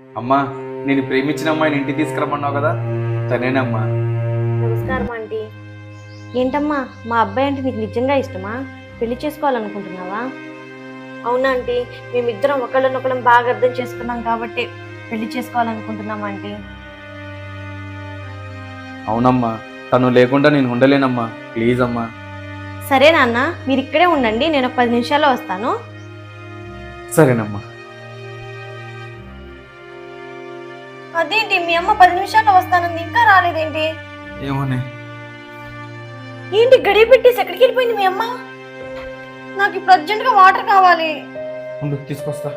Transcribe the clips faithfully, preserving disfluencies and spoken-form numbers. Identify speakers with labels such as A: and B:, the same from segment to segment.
A: అమ్మా, నేను ప్రేమించిన అమ్మాయిని ఇంటికి తీసుకురమ్మన్నావు కదా, తనేనమ్మా.
B: నమస్కారం ఆంటీ. ఏంటమ్మా, మా అబ్బాయి అంటే నీకు నిజంగా ఇష్టమా? పెళ్లి చేసుకోవాలనుకుంటున్నావా? అవునా ఆంటీ, మేమిద్దరం ఒకళ్ళనొకళ్ళం బాగా అర్థం చేసుకున్నాం కాబట్టి పెళ్లి చేసుకోవాలనుకుంటున్నాం ఆంటీ.
A: అవునమ్మా, తను లేకుండా నేను ఉండలేనమ్మా. ప్లీజ్ అమ్మా.
B: సరే నాన్న, మీరు ఇక్కడే ఉండండి, నేను ఒక పది నిమిషాల్లో వస్తాను.
A: సరేనమ్మా.
B: అదేంటి మీ అమ్మ పది నిమిషాల్లో వస్తానంది, ఇంకా రాలేదేంటి?
A: ఏమోనే.
B: ఏంటి గడియ పెట్టేసి ఎక్కడికి వెళ్ళిపోయింది మీ అమ్మ? నాకు ఇప్పుడు అర్జెంట్ గా వాటర్ కావాలి.
A: ఉండు, తీసుకొస్తా.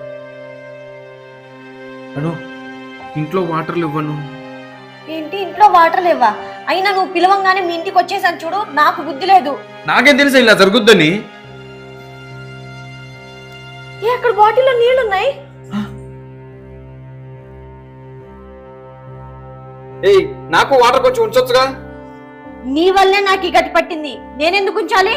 A: అను, ఇంట్లో వాటర్లు ఇవ్వను.
B: ఏంటి ఇంట్లో వాటర్ లేవా? అయినా నువ్వు పిలవంగానే మీ ఇంటికి వచ్చేసాను చూడు, నాకు బుద్ధి లేదు.
A: నాకేం తెలుసా ఇలా జరుగుద్దని?
B: ఏ అక్కడ బాటిల్లో నీళ్లున్నాయి.
A: ఏయ్, నాకు వాటర్ కొంచెం ఉంచొచ్చుగా.
B: నీ వల్లే నాకు ఈ గతి పట్టింది, నేనెందుకు ఉంచాలి?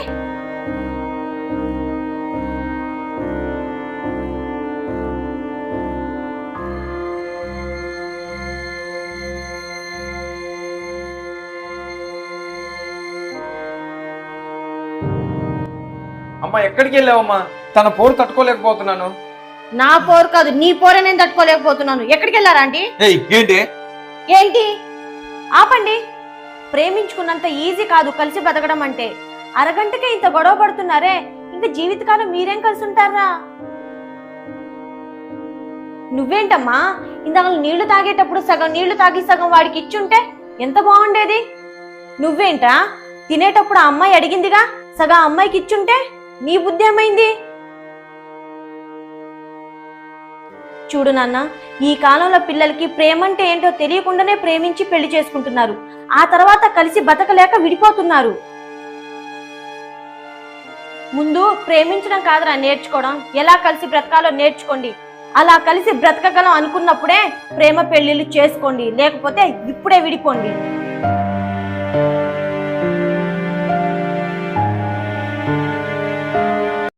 A: అమ్మా, ఎక్కడికి వెళ్ళావమ్మా? తన పోరు తట్టుకోలేకపోతున్నాను.
B: నా పోరు కాదు, నీ పోరే నేను తట్టుకోలేకపోతున్నాను. ఎక్కడికి వెళ్ళారా ఆంటీ?
A: ఏయ్, ఏంటి
B: ఏంటి? ఆపండి. ప్రేమించుకున్నంత ఈజీ కాదు కలిసి బతకడం అంటే. అరగంటకే ఇంత గొడవ పడుతున్నారే, ఇంకా జీవితకాలం మీరేం కలిసి ఉంటారా? నువ్వేంటమ్మా, ఇందాక నీళ్లు తాగేటప్పుడు సగం నీళ్లు తాగి సగం వాడికి ఇచ్చుంటే ఎంత బాగుండేది. నువ్వేంటా, తినేటప్పుడు ఆ అమ్మాయి అడిగిందిగా, సగం అమ్మాయికి ఇచ్చుంటే నీ బుద్ధి ఏమైంది? చూడు నాన్న, ఈ కాలంలో పిల్లలకి ప్రేమంటే ఏంటో తెలియకుండానే ప్రేమించి పెళ్లి చేసుకుంటున్నారు. ఆ తర్వాత కలిసి బతకలేక విడిపోతున్నారు. ముందు ప్రేమించడం కాదురా నేర్చుకోవడం, ఎలా కలిసి బ్రతకాలో నేర్చుకోండి. అలా కలిసి బ్రతకగలం అనుకున్నప్పుడే ప్రేమ పెళ్లిళ్ళు చేసుకోండి, లేకపోతే ఇప్పుడే విడిపోండి.